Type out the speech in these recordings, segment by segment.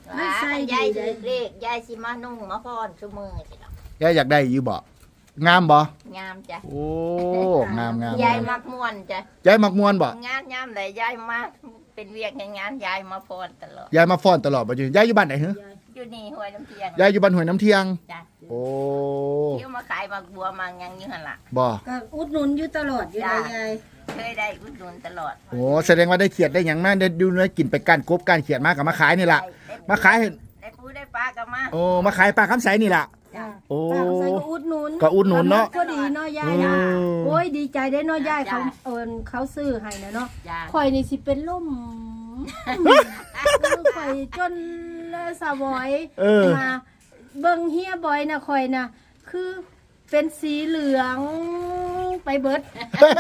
มันใส่ยายดีถือเลขยายสิมานุ่งมาพรชั่วมือสิเนาะยายอยากได้อยู่บ่งามบ่งามจ้ะโอ้งามงามยายมักม่วนจ้ะยายมักม่วนบ่งานยามใดยายมาเป็นเวียกงานยายมาพรตลอดยายมาฟ้อนตลอดบ่อยู่ยายอยู่บ้านไหนฮะอยู่นี่ห้วยน้ำเทียงยายอยู่บ้านห้วยน้ำเที่ยงจ้ะโอ้เที่ยวมาขายมักบัวมังยังอยู่หั่นล่ะบ่ก็อุดหนุนอยู่ตลอดอยู่ได้ยายเคยได้อุดหนุนตลอดโอ้แสดงว่าได้เขียดได้หยังมาได้ดูเนื้อกินไปก้านกบก้านเขียดมากับมาขายนี่ล่ะ มาขายให้ได้ปูได้ปลาก็มาโอ้มาขายปลาคำใสนี่ล่ะจ้ะโอ้ป้าใส่ก็อุดหนุนก็อุดหนุนเนาะก็ดีเนาะยายอืนะมโอ้ยดีใจได้เนาะยายเขาซื้อให้นะเนาะจ้ะข่อยนี่สิเป็นล่มข่อยจนสาวอยเออมาเบิ่งเฮียบอยนะข่อยนะคือเป็นสีเหลืองไปเบิด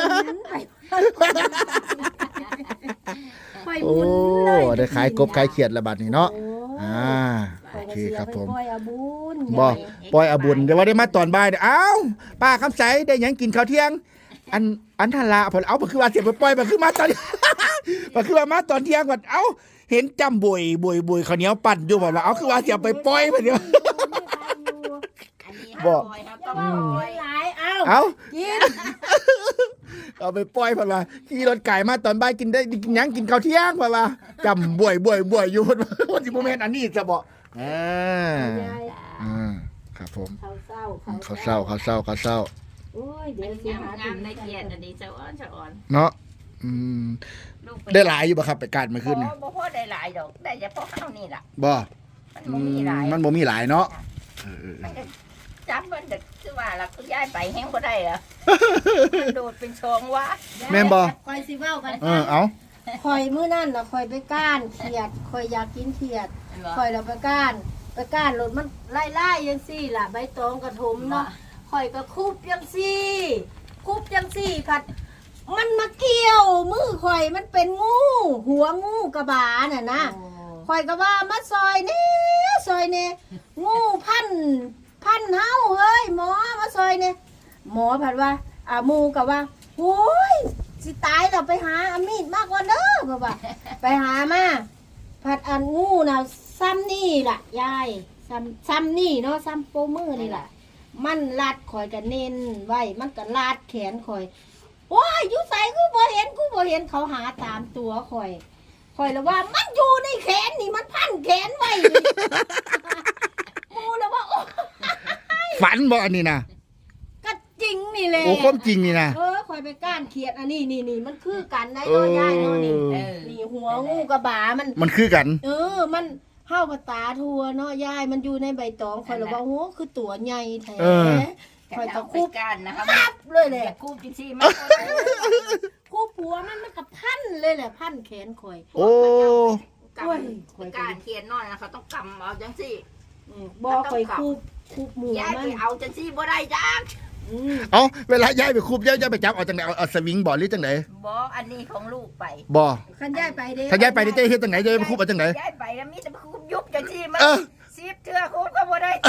ข่อยหโอ้มุนเลยได้ขายกบขายเขียดละบาดนี้เนาะโอ้อ่าโอเคครับผมปล่อยอาบุญบ่ปล่อยอาบุญเดี๋ยวว่าได้มาตอนบ่ายเด้อเอ้าป้าคำใสได้หยังกินข้าวเที่ยง อันทันละเพิ่นเอาบ่คือว่าเสียไปปล่อยบ่คือมาตอน บ่คือว่ามาตอนเที่ยงว่าเอ้าเห็นจำบวยข้าวเหนียวปั่นอยู่บ่ว่าเอาคือว่าเสียไปปล่อยบ่เดี๋ยวอันนี้บ่ห้าร้อยครับต้องร้อยหลายเอ้าเอ้ากินเอาไปปล่อยเพิ่นว่าขี่รถไก่มาตอนบ่ายกินได้กินหยังกินข้าวเที่ยงเพิ่นว่าจำบวยอยู่เพิ่นว่าว่าสิบ่แม่นอันนี้จะบ่อ่าอ่าครับผมเขาเศร้าข้าวเช้าโอ้ยเดี๋ยวสิงามหางามในเกียรติอันนี้เจ้าอ้อนเจ้าอ่อนเนาะอืมลูกปได้หลายอยู่บ่ครับไปการเมื่อคืนนี่บ่พอได้หลายดอกได้เฉพาะข้าวนี่ล่ะบ่มันอืบ่มีมหลายมันบ่มีหลายเนาะมันก็จับมันเด็กคือว่าล่ะคุณยายไปแห้งบ่ได้เหรอมันโดดเป็นชองวะแม่นบ่คอยสิเว้ากันเอาคอยมื้อนั่นน่ะคอยไปก้านเขียดคอยอยากกินเขียดคอยเราไปก้านรถมันไล่ๆจังซี่ล่ะใบตองกระทมเนาะคอยก็คุบจังซี่ผัด มันมาเกี่ยวมือคอยมันเป็นงู หัวงูกระบาน่ะนะ ข่อยก็ว่ามาซอยนี่งูพันเฮาเฮ้ยหมอมาซอยนี่หมอผัดว่าหมูก็ว่าโอ้ยสิตายแล้วไปหาอามีดมากกว่าเด้อก็ว่า ไปหามาผัดอันงูน่ะซ้ำนี่ล่ะยายซ้ำนี่เนาะซ้ำโปมือนี่ล่ะ มันลัดข่อยก็เน้นไว้มันก็ลาดแขนข่อยโอ้ยอยู่ใส่กูบ่เห็นเขาหาตามตัวข่อยแล้วว่ามันอยู่ในแขนนี่มันพันแขนไว้กูแล้วว่าโอ้ฝันบ่อันนี้นะก็จริงนี่แหละโอ้ความจริงนี่นะข่อยไปก้านเขียดอันนี้นี่มันคือกันได้น้อยย่ายเนาะนี่นี่หัวงูกระบามันคือกันมันเฮาภาษาทัวเนาะยายมันอยู่ในใบตองข่อยแล้วว่าโอ้คือตัวใหญ่แท้คอยตะคุบกันนะคะปั๊บเลยแหละอย่าคุบจริงๆมันคู่ผัวมันกับพันเลยแหละพันแขนข่อยโอ้กำการเขียนนอนนะเขาต้องกำเอาจังสิบ่ข่อยคู่หมูยายมัไปนเอาจังสิบ่ได้จักเอาเวลาย้ายไปคูบย้ายไปจับเอาจังไหนเอาสวิงบ่หรือจังไหนบ่อันนี้ของลูกไปบ่คันย้ายไปเด้ถ้าย้ายไปนี่จะเฮ็ดจังไหนจะไปคูบเอาจังไหนยายไปแล้วมีแต่คุบยุบจังสิมันเออซีบเทื่อคุบก็บ่ได้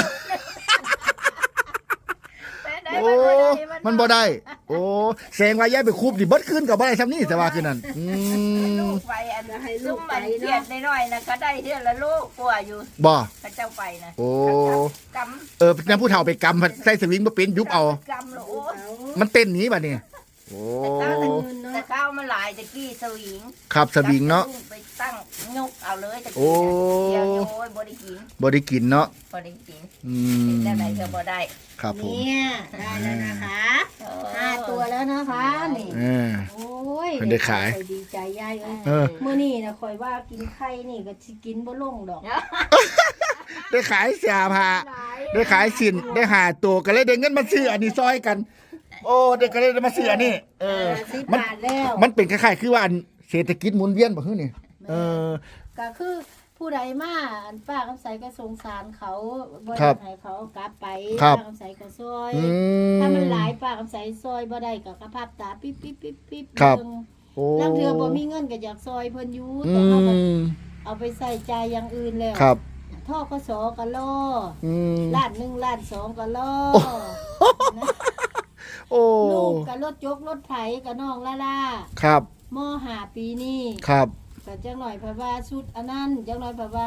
โอ้มันบ่ได้ โอ้แสดงว่าย้ายไปคูบดิเบิดขึ้นก็บ่ได้ซ้ำนี่แต่ว่าคือนั่นลูกไปอันซุ่มมันเทียดน้อยๆนะเขาได้เทื่อละลูกกลัวอยู่บ่พระเจ้าไปนะโอ้กนำผู้เฒ่าไปกำใส่สวิงบ่เป็นยุบเอากำโอ้มันเต้นหนีบัดนี้โอ้แต่ข้าวมันหลายตะกี้สวิงครับสวิงเนาะไปตั้งยกเอาเลยตะโอ้กี้เดียวโอ้ยบ่ได้กินบ่ได้กินเนาะบ่ได้กินอืแล้วไหนมก็บ่ได้ครับผมเนี่ยได้แล้วนะคะ5ตัวแล้วนะคะนี่เออโอ้ยเพิ่นได้ขายข่อยดีใจยายเอ้ยเออมื้อนี้นะข่อยว่ากินไข่นี่ก็สิกินบ่ลงดอกได้ขายเสียผ้าได้ขายสินได้หาตัวก็เลยได้เงินมาซื้ออันนี้ซอยกัน โอ้เด็กก็เลยได้มาซื้ออันนี้ 10 มันบาทแล้วมันเป็นคล้ายๆคือว่าอันเศรษฐกิจหมุนเวียนบ่คือนี่อก็คือผู้ใดมาอันป้าคำใสก็สงสารเขาบ่ครัได้บให้เขากลับไปครับป้าคำใสก็ซอยอืถ้ามันหลายป้าคำใสซอยบ่ได้ก็กระพับตาปิ๊บปิ๊บปิ๊บปิ๊บครับเบิ่งโอ้ลางเทื่อบ่มีเงินก็อยากซอยเพิ่นอยู่อืแต่เขาก็มเอาไปใส่ใจายอย่างอื่นแล้วครับท่อกสก็ล่ออืมล้าน1ล้าน2ก็ล่อนะโอ้ลูกก็รถยกรถไถก็น้องล่าครับม5ปีนี้ครับก็จังหน่อยเพราะว่าชุดอันนั้นจังหน่อยเพราะว่าค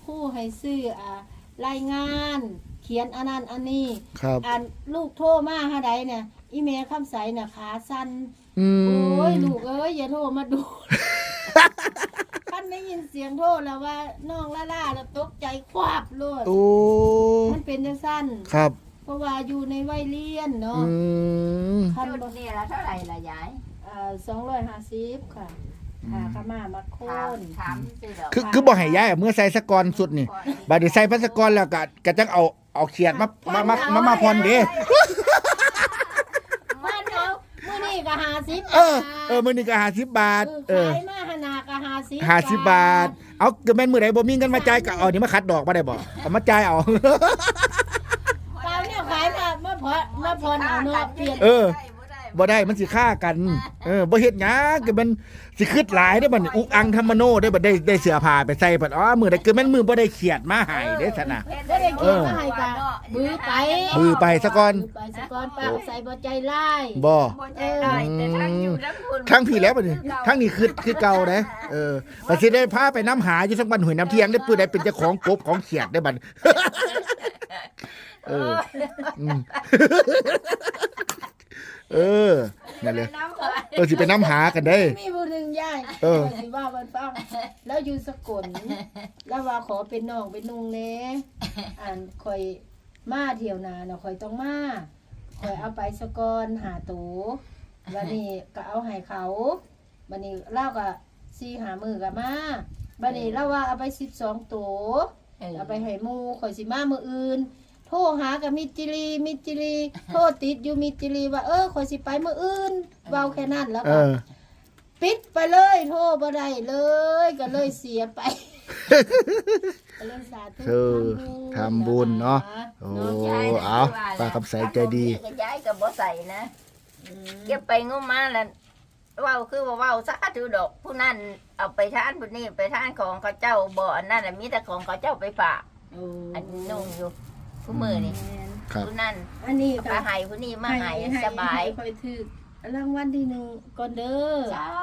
รู่ให้ซื้อรายงานเขียนอันนั้นอันนี้ครับลูกโทรมาหาใดเนี่ยอีเมลคำใสน่ะขาสั่นอืโอ้ยมลูกเอ้ยอย่าโทรมาดู ท่านได้ยินเสียงโทรแล้วว่าน้องล่าแล้วตกใจควาบโลดโอ้มันเป็นจังซั่นครับเพราะว่าอยู่ในวัยเรียนเนาะอืมคันชุดบ่นี่ละเท่าไหร่ละยาย 250ค่ะหาขม่ามาโคถามนสิดอกคือบ่ให้ย้ายเมื่อใส่สะกอนสุดนี่บัดนี้ใส่พัสกรแล้วก็จังเอาเขียดมาพรเด้มันเอามื้อนี้ก็50 มื้อนี้ก็50 บาทขายมาหนาก็ 50 50 บาท เอาก็แม่นมื้อใดบ่มีเงินมาจ่ายก็เอานี่มาคัดดอกบ่ได้บ่เอามาจ่ายเอาเปล่าเนี่ยขายมาพรเอาเนาะเปลี่ยนบ่ได้มันสิฆ่ากันบ่เฮ็ดหยังก็มันสิคิดหลายเด้อบัดนี้อุกอังธรรมโนได้บัดได้เสื้อผ้าไปใส่บัดมื้อใดคือแม่นมื้อบ่ได้เขียดมาให้เด้ซั่นน่ะบ่ได้เกี่ยวมาให้กะบือไปมือไปซะก่อนบือไปซะก่อนป้าใส่บ่ใจร้ายบ่บ่ใจได้แต่ทางอยู่ทั้งคุณทั้งพี่แล้วบัดนี้ทั้งนี้คือเก่าเด้บัดสิได้พาไปน้ำหาอยู่ทั้งบ้านห้วยน้ำเที่ยงได้ปื้อใดเป็นเจ้าของกบของเขียดได้บัด อืมนั่นเลยสิไปน้ำหากันได้มีผู้หนึงยายสิว่าเพิ่นฟังแล้วอยู่สกลแล้วว่าขอเป็นน้องเป็นนุ่งแหน่ข่อยมาเที่ยวนาเนาะข่อยต้องมาข่อยเอาไปสกอนหาตูวันนี้ก็เอาให้เขาวันนี้เล่าก็4-5 มื้อก็มาวันนี้เล่าว่าเอาไป12ตัวเอาไปให้หมู่ข่อยสิมามื้ออื่นโทรหากับมิจิรีโทรติดอยู่มิจิรีว่าข่อยสิไปมื้ออื่นเว้าแค่นั้นแล้วก็ปิดไปเลยโทรบ่ได้เลยก็เลยเสียไปก็เลยสาธุทำบุญเนาะโอ้เอาป้าคำใสใจดียายก็บ่ใส่นะเก็บไปงมมาแล้วเว้าคือว่าเว้าซะถือดอกผู้นั้นเอาไปทานผู้นี้ไปทานของเขาเจ้าบ่อันนั้นน่ะมีแต่ของเขาเจ้าไปฝากอันนุ่งอยู่ผู้มือนี่ผู้นั้นอันนี้ก็ให้ผู้นี้มาให้สบายค่อยถือรางวัลที่1ก่อนเด้อจ้า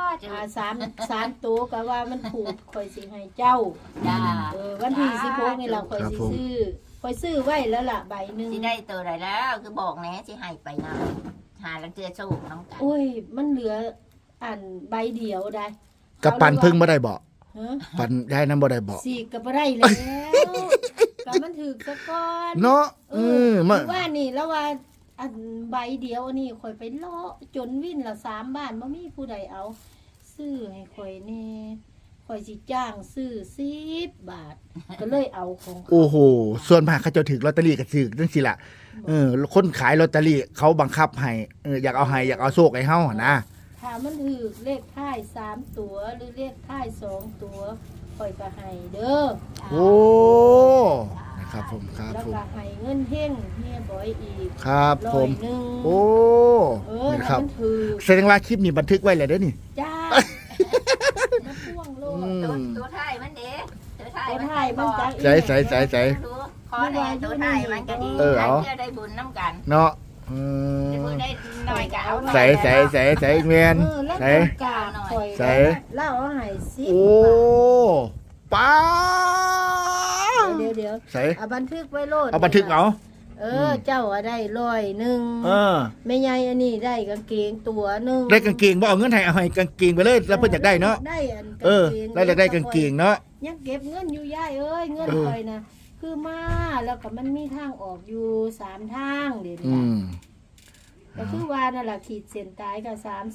3ตัวก็ว่ามันถูกค่อยสิให้เจ้าจ้าวันที่16นี่ล่ะค่อยสิซื้อค่อยซื้อไว้แล้วล่ะใบหนึงสิได้ตัวใดแล้วคือบอกแหน่สิให้ไปนำหาลังเทื่อสู้น้ำกันโอ้ยมันเหลือใบเดียวได้กับปันพึ่งบ่ได้บ่ฮะปันยายนำบ่ได้บ่สิก็บ่ได้แล้วก็มันถูกซะก่อนเนาะมาว่านี่แล้วว่าใบเดียวนี่ข่อยไปเลาะจนวิ่นละ3 บ้านบ่มีผู้ใดเอาซื้อให้ข่อยแน่ข่อยสิจ้างซื้อ10 บาท ก็เลยเอาของเขาโอ้โหส่วนมากเขาเจ้าถึกลอตเตอรี่ก็ถึกจังซี่ล่ะคนขายลอตเตอรี่เขาบังคับให้อยากเอาให้อยากเอาโชคให้เฮาหั่นนะถ้ามันถูกเลขท้าย3 ตัวหรือเลขท้าย2 ตัวข่อยก็ให้เด้อโอ้นะครับผมครับแล้วผมก็ให้เงินเฮงเฮียบ่อยอีกครับผม 100 โอ้นะนะคครัรับบ มันถูกแสดงว่าคลิปนี้บันทึกไว้แล้วเด้อนี่จ้ามาพ่วงโลดตัวไทยมันเด้ตัวไทยตัวท้ายมันจักอีกใส่ขอแน่ตัวไทยมันก็ดีเอาเพื่อได้บุญน้ำกันเนาะได้บุญได้หน่อยก็เอาหน่อยใส่แมนแล้วใส่กาข่อยใส่เล่าเอาให้สิโอ้ป้าเดี๋ยวใส่เอาบันทึกไว้โลดเอาบันทึกเอาเจ้าได้100 แม่ใหญ่อันนี้ได้กางเกงตัวหนึงได้กางเกงบ่เอาเงินให้เอาให้กางเกงไปเลยแล้วเพิ่นอยากได้เนาะได้อันแล้วอยากได้กางเกงเนาะยังเก็บเงินอยู่ย่ายเอ้ยเงินข่อยนะคือมาแล้วก็มันมีทางออกอยู่3 ทางเดี๋ยวนี้ก็คือว่านั่นล่ะขีดเส้นตายก็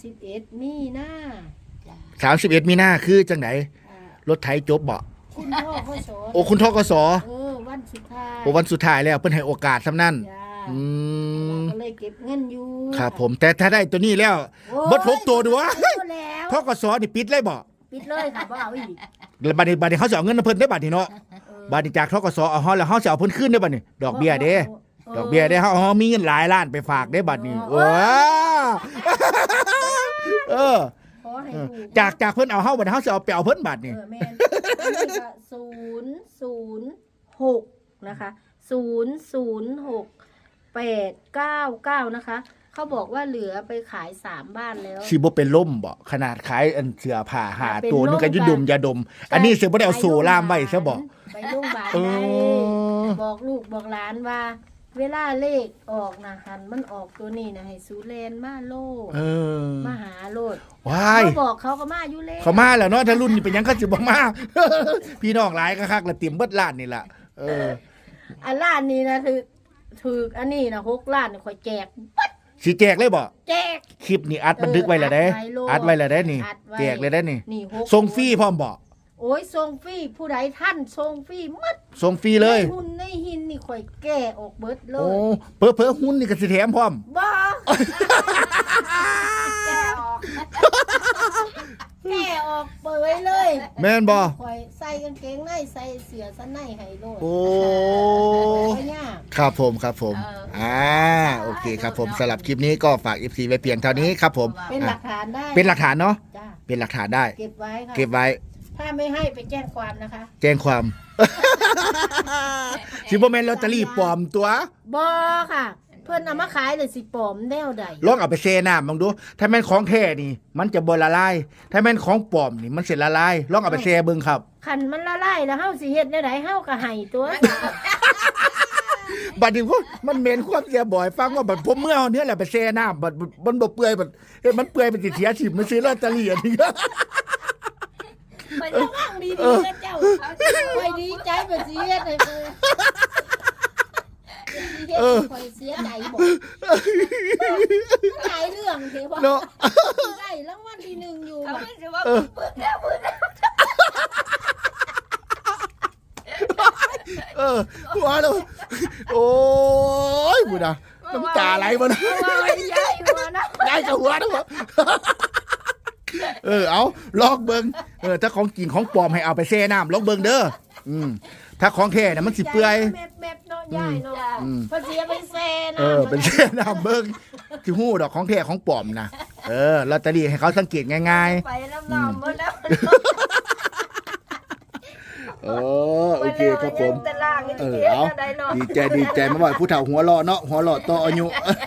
31มีนา 31มีนาคือจังไดอ่ารถไถจบบ่คุณพ่อพ่อสอนโอ้คุณทกสวันสุดท้ายโอ้วันสุดท้ายแล้วเพิ่นให้โอกาสซ้ำนั่นจ้ามก็เลยเก็บเงินอยู่ครับผมแต่ถ้าได้ตัวนี้แล้วโอ้ยบด6ตัวดูวะเอาแล้วทกสนี่ปิดเลยบ่ปิดเลยค่ะบ่เอาอีกแล้วบัดนี้เขาสิเอาเงินนำเพิ่นได้บัดนี้เนาะบัดนี้จากทกสเอาเฮาแล้วเฮาสิเอาเพิ่นคืนได้บัดนี้ดอกเบี้ยเด้ดอกเบี้ยเด้เฮามีเงินหลายล้านไปฝากได้บัดนี้ว้าขอให้ถูกจากเพิ่นเอาเฮาบัดนี้เฮาสิเอาไปเอาเพิ่นบัดนี้แม่นอันนี้ก็006นะคะ006 899นะคะคเขาบอกว่าเหลือไปขาย3บ้านแล้วสิบ่เป็นล่มบ่ขนาดขายอันเสื้อผ้าหาเป็นตัวนึงก็ล่มยุดมยาดม อันนี้สิบ่ได้เอาโซล่ามไว้ซะบ่ไปโรงพยาบาลเอได้อบอกลูกบอกหลานว่า เวลาเลขออกนะหันมันออกตัวนี้นะให้สูแลนมาโลดเออมาหาโลดว้ายเขาบอกเขาก็มาอยู่แล้วเขามาแล้วเนาะถ้ารุ่นนี้เป็นหยังก็สิบ่มา พี่น้องหลายคักๆละเตรียมเบิดล้านนี่ล่ะเอออันล้านนี้นะถืออันนี้นะ6 ล้านนี่ข่อยแจกสิแจกเลยบ่แจกคลิปนี้อัดบันทึกไว้แล้วเด้ อัดไว้แล้วเด้นี่อัดไว้แจกเลยได้นี่นี่6 ส่งฟรีพร้อมบ่โอ้ยส่งฟรีผู้ใดท่านส่งฟรีหมดส่งฟรีเลยในหุ่นในหินนี่ข่อยแก้ออกเบิดเลโอ้ยเผลอๆหุ้นนี่ก็สิแถมพร้อมบ้าแกออกแก้ออกเปยเลยแม่นบ่ข่อยใส่กางเกงในใส่เสื้อชั้นในให้โลดโอ้ไม่ยากครับผมโอเคครับผมสำหรับคลิปนี้ก็ฝาก FC ไว้เพียงเท่านี้ครับผมเป็นหลักฐานได้เป็นหลักฐานเนาะจ้าเป็นหลักฐานได้เก็บไว้ค่ะเก็บไว้ถ้าไม่ให้ไปแจ้งความนะคะแจ้งความ สิบ่แม่นลอตเตอรี่ปลอมตัวบอค่ะ เพื่อนเอามาขายเลยสิปลอมแนวใดลองเอาไปเซน้ำลองดู ถ้าแม่นของแท้นี่ มันจะบ่ละลาย ถ้าแม่นของปลอมนี่มันสิละลาย ลองเอาไปเซเบิ่งครับคันมันละลายแล้วเฮาสิเฮ็ดแนวใดเฮาก็ให้ตัวบัดนี้พวกมันเหม็นความเสียบ่อยฟังว่าบัดผมเมื่อเอาเนี้ยแหละไปเซน้ำบัดมันบ่เปื่อยบัดเอ้ยมันเปื่อยมันสิเสียชีพมันซื้อลอตเตอรี่อันนี้ไประวังดีๆนะเจ้าไปดีใจบ่สิเฮ็ดให้เพิ่นคอยเสียใจบ่หลายเรื่องเด้บ่เนาะได้รางวัลที่1อยู่เขาบ่ไม่ใช่ว่าปืนแล้วหัวเราโอ้ยบุญนะน้ำตาไหลบ่นะว่าใหญ่หัวนะได้กับหัวนะบ่เอาลอกเบิ่งถ้าของจริงของปลอมให้เอาไปแช่น้ำลอกเบิ่งเด้อถ้าของแท้น่ะมันสิเปื่อยแมบเนาะใหญ่เนาะเพิ่นสิเอาไปแซ่นะเป็นแช่น้ำเบิ่งสิฮู้ดอกของแท้ของปลอมนะลอตเตอรี่ให้เขาสังเกตง่ายไปน้ำนองหมดแล้วๆโอเคครับผมเอาดีใจมาบ่อยผู้เฒ่าหัวเราะเนาะหัวเราะต่ออายุ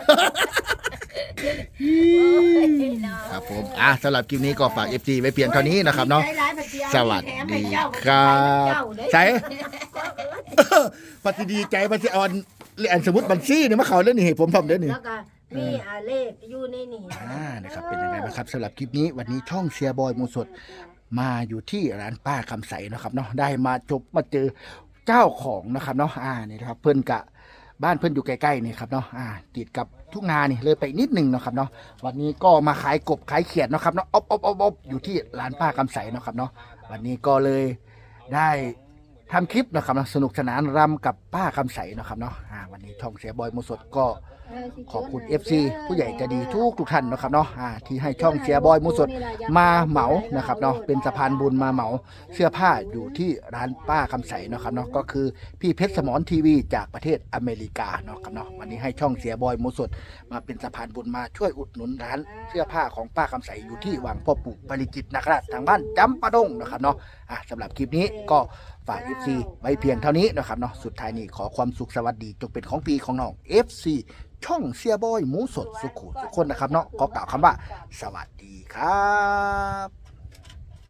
ครับผมสำหรับคลิปนี้ก็ฝาก FG ไว้เพียงเท่านี้นะครับเนาะสวัสดีครับใช่ปฏิดีใจปฏิออนอันสมมุติบัญชีเนี่ยมาเขาเรื่องนี้ให้ผมทำเด้อนี่แล้วก็มีเลขอยู่ในนี่นะครับเป็นยังไงบ้างครับสำหรับคลิปนี้วันนี้ช่องเชียร์บอยมูสดมาอยู่ที่ร้านป้าคำใสนะครับเนาะได้มาเจอเจ้าของนะครับเนาะนี่นะครับเพิ่นกะบ้านเพิ่นอยู่ใกล้ๆนี่ครับเนาะติดกับทุ่งนานี่เลยไปนิดนึงนะครับเนาะวันนี้ก็มาขายกบขายเขียดนะครับเนาะอบอยู่ที่ร้านป้าคำใสนะครับเนาะวันนี้ก็เลยได้ทำคลิปนะครับสนุกสนานรำกับป้าคำใสนะครับเนาะวันนี้ช่องเชียร์บอยมูสดก็ขอบคุณ FC ผู้ใหญ่ใจดีทุกท่านนะครับเนาะที่ให้ช่องเชียร์บอยมูสดมาเหมานะครับเนาะเป็นสะพานบุญมาเหมาเสื้อผ้าอยู่ที่ร้านป้าคำใสนะครับเนาะก็คือพี่เพชรสมรทีวีจากประเทศอเมริกาเนาะครับเนาะวันนี้ให้ช่องเชียร์บอยมูสดมาเป็นสะพานบุญมาช่วยอุดหนุนร้านเสื้อผ้าของป้าคำใสอยู่ที่วังพ่อปู่ปริจิตรนะครับทางบ้านจำปาดงนะครับเนาะสำหรับคลิปนี้ก็ฝาก FC ไว้เพียงเท่านี้นะครับเนาะสุดท้ายนี้ขอความสุขสวัสดีจงเป็นของปีของน้อง FC ช่องเชียร์บอยหมูสดสุขุทุกคนนะครับเนาะขอกล่าวคำว่าสวัสดีครับ